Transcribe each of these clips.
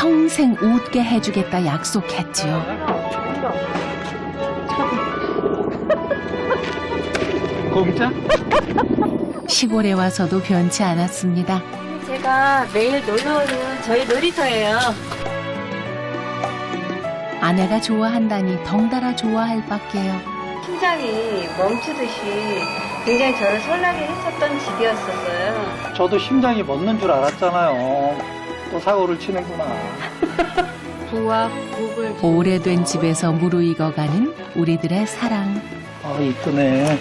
평생 웃게 해주겠다 약속했지요. 공짜? 시골에 와서도 변치 않았습니다. 제가 매일 놀러 오는 저희 놀이터예요. 아내가 좋아한다니 덩달아 좋아할 밖에요. 심장이 멈추듯이 굉장히 저를 설레게 했었던 집이었었어요. 저도 심장이 멎는 줄 알았잖아요. 또 사고를 치는구나. 부와 국을 오래된 집에서 무르익어가는 우리들의 사랑. 아, 이쁘네.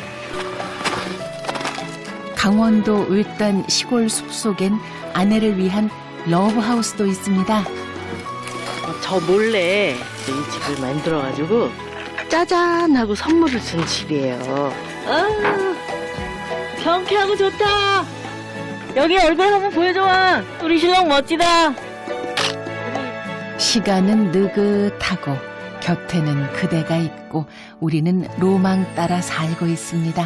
강원도 을단 시골 숲속엔 아내를 위한 러브하우스도 있습니다. 저 몰래 이 집을 만들어가지고 짜잔 하고 선물을 준 집이에요. 아, 경쾌하고 좋다. 여기 얼굴 한번 보여줘봐. 우리 신랑 멋지다. 시간은 느긋하고 곁에는 그대가 있고 우리는 로망 따라 살고 있습니다.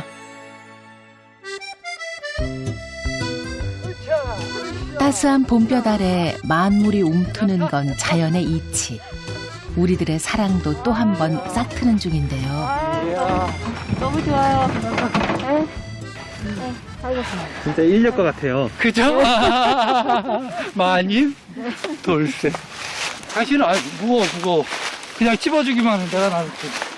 따스한 봄볕 아래 만물이 움트는 건 자연의 이치. 우리들의 사랑도 또 한 번 싹트는 중인데요. 너무 좋아요. 진짜 인력 것 같아요. 그죠? 마님? 돌쇠. 당신은 무거워. 그냥 찝어주기만 하면 내가 나를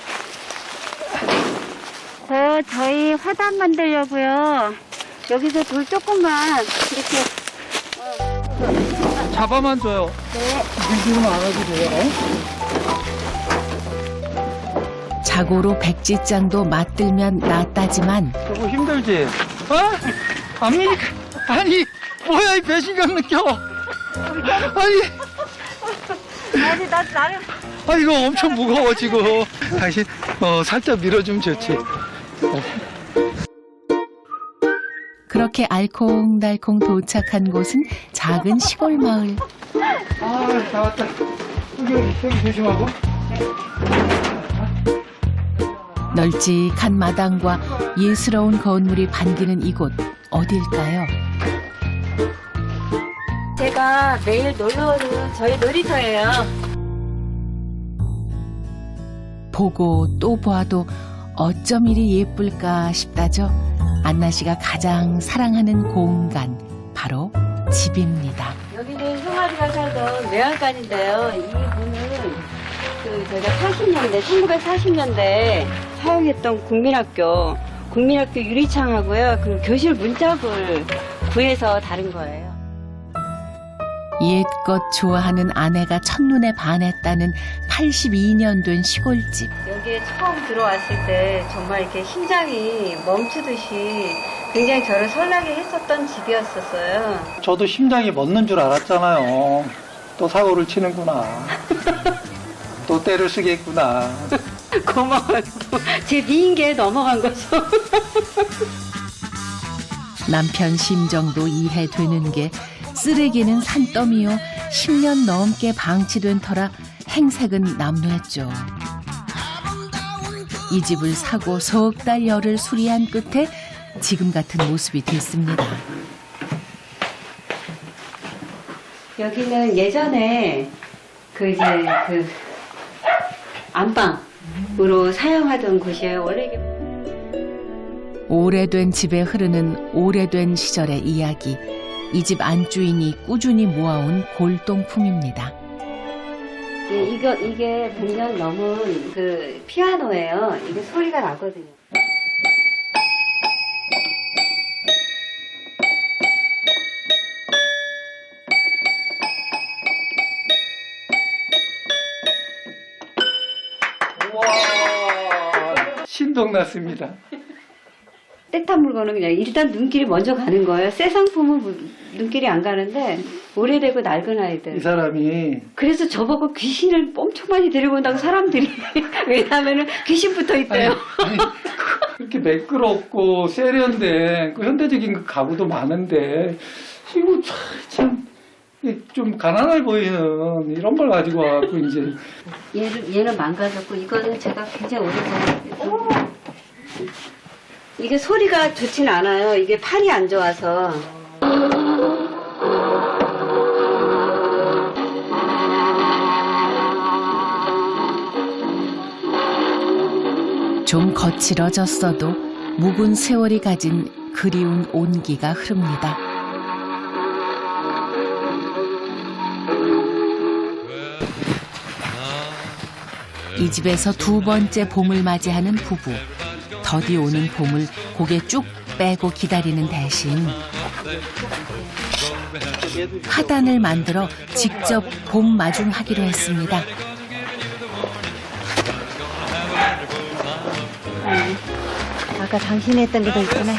저희 화단 만들려고요. 여기서 돌 조금만 이렇게. 잡아만 줘요. 네. 밀지는 않아도 돼요. 자고로 백지장도 맞들면 낫다지만 저거 힘들지? 아니, 뭐야, 이 배신감 느껴. 아니, 이거 엄청 무거워, 지금. 당신, 살짝 밀어주면 좋지. 그렇게 알콩달콩 도착한 곳은 작은 시골 마을. 다 왔다. 여기 조심하고. 널찍한 마당과 예스러운 건물이 반기는 이곳 어딜까요? 제가 매일 놀러 오는 저희 놀이터예요. 보고 또 보아도 어쩜 이리 예쁠까 싶다죠. 안나 씨가 가장 사랑하는 공간, 바로 집입니다. 여기는 형아리가 살던 외양간인데요. 이 문은 저희가 1940년대 사용했던 국민학교 유리창하고요. 그 교실 문짝을 구해서 다른 거예요. 옛것 좋아하는 아내가 첫눈에 반했다는 82년 된 시골집. 여기에 처음 들어왔을 때 정말 이렇게 심장이 멈추듯이 굉장히 저를 설레게 했었던 집이었었어요. 저도 심장이 멎는 줄 알았잖아요. 또 사고를 치는구나. 또 때를 쓰겠구나. 고마워요. 제 미인계에 넘어간 거죠. 남편 심정도 이해되는 게 쓰레기는 산더미요 10년 넘게 방치된 터라 행색은 남루했죠. 이 집을 사고 석 달 열을 수리한 끝에 지금 같은 모습이 됐습니다. 여기는 예전에 그 안방으로 사용하던 곳이에요. 원래 이게 오래된 집에 흐르는 오래된 시절의 이야기. 이 집 안주인이 꾸준히 모아온 골동품입니다. 이게 100년 넘은 그 피아노예요. 이게 소리가 나거든요. 우와, 신동났습니다. 때탄 물건은 그냥 일단 눈길이 먼저 가는 거예요. 새 상품은 눈길이 안 가는데 오래되고 낡은 아이들. 이 사람이 그래서 저보고 귀신을 엄청 많이 데리고 온다고 사람들이. 왜냐하면 귀신 붙어 있대요. 아니, 그렇게 매끄럽고 세련된 그 현대적인 그 가구도 많은데 이거 참 좀 가난해 보이는 이런 걸 가지고 와갖고 이제 얘는 망가졌고 이거는 제가 굉장히 오래전에 이게 소리가 좋진 않아요. 이게 판이 안 좋아서. 좀 거칠어졌어도 묵은 세월이 가진 그리운 온기가 흐릅니다. 이 집에서 두 번째 봄을 맞이하는 부부. 더디 오는 봄을 고개 쭉 빼고 기다리는 대신 화단을 만들어 직접 봄 마중하기로 했습니다. 아까 당신이 했던 게 더 있구나.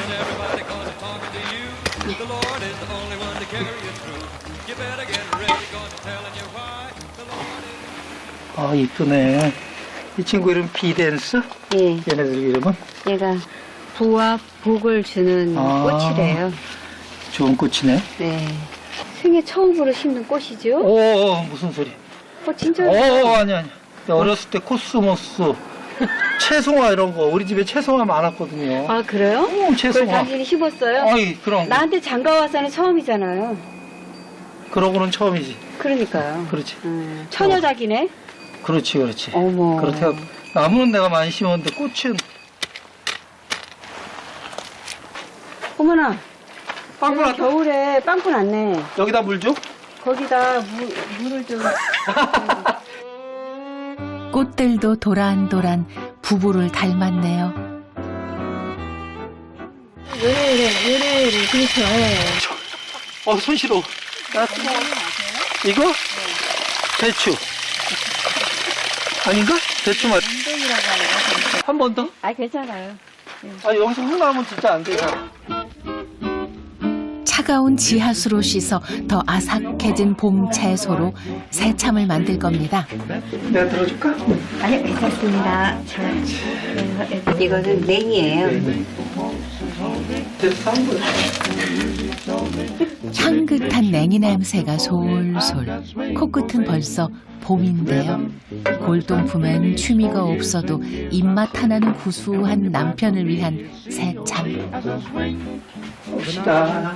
아, 이쁘네. 이 친구 이름 비댄스? 예, 얘네들 이름은? 얘가 부와 복을 주는 아. 꽃이래요. 좋은 꽃이네. 네. 생애 처음으로 심는 꽃이죠? 오, 무슨 소리? 진짜. 아니. 어렸을 때 코스모스, 채송화 이런 거. 우리 집에 채송화 많았거든요. 아, 그래요? 그걸 채송화. 당신이 심었어요? 아이, 그럼. 나한테 장가 와서는 처음이잖아요. 그러고는 처음이지. 그러니까요. 그렇지. 처녀작이네? 그렇지. 어머. 그렇다고. 나무는 내가 많이 심었는데 꽃은. 어머나. 빵꾸 났다. 겨울에 빵꾸 났네. 여기다 물 줘? 거기다 물을 좀. 꽃들도 도란도란 부부를 닮았네요. 요래, 그렇죠. 손 시려. 이거? 대추. 아닌가? 대추 맛. 한 번 더? 아, 괜찮아요. 여기서 흙 나오면 진짜 안 되잖아. 차가운 지하수로 씻어 더 아삭해진 봄 채소로 새참을 만들 겁니다. 내가 들어줄까? 아니, 괜찮습니다. 이거는 냉이에요. 대추 산 거야. 향긋한 냉이 냄새가 솔솔. 코끝은 벌써 봄인데요. 골동품엔 취미가 없어도 입맛 하나는 구수한 남편을 위한 새참. 봅시다.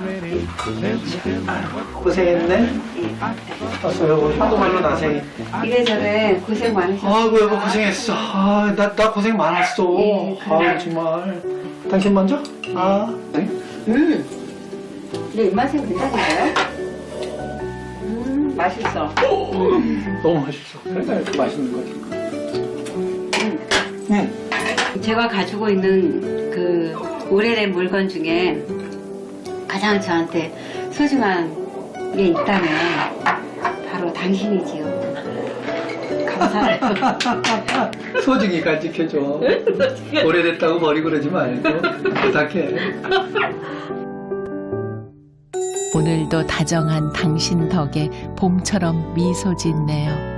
고생했네. 왔어, 여보. 한도말로 나생이. 이래저래 고생 많으셨어요. 아이고, 여보, 고생했어. 나 고생 많았어. 예, 그래요. 정말. 당신 먼저? 네. 내 입맛에 괜찮은데요? 맛있어. 너무 맛있어. 그러니까 이렇게 맛있는 거지. 제가 가지고 있는 그 오래된 물건 중에 가장 저한테 소중한 게 있다면 바로 당신이지요. 감사해요. 소중히 간직해줘. 오래됐다고 버리고 그러지 말고 부탁해. 오늘도 다정한 당신 덕에 봄처럼 미소 짓네요.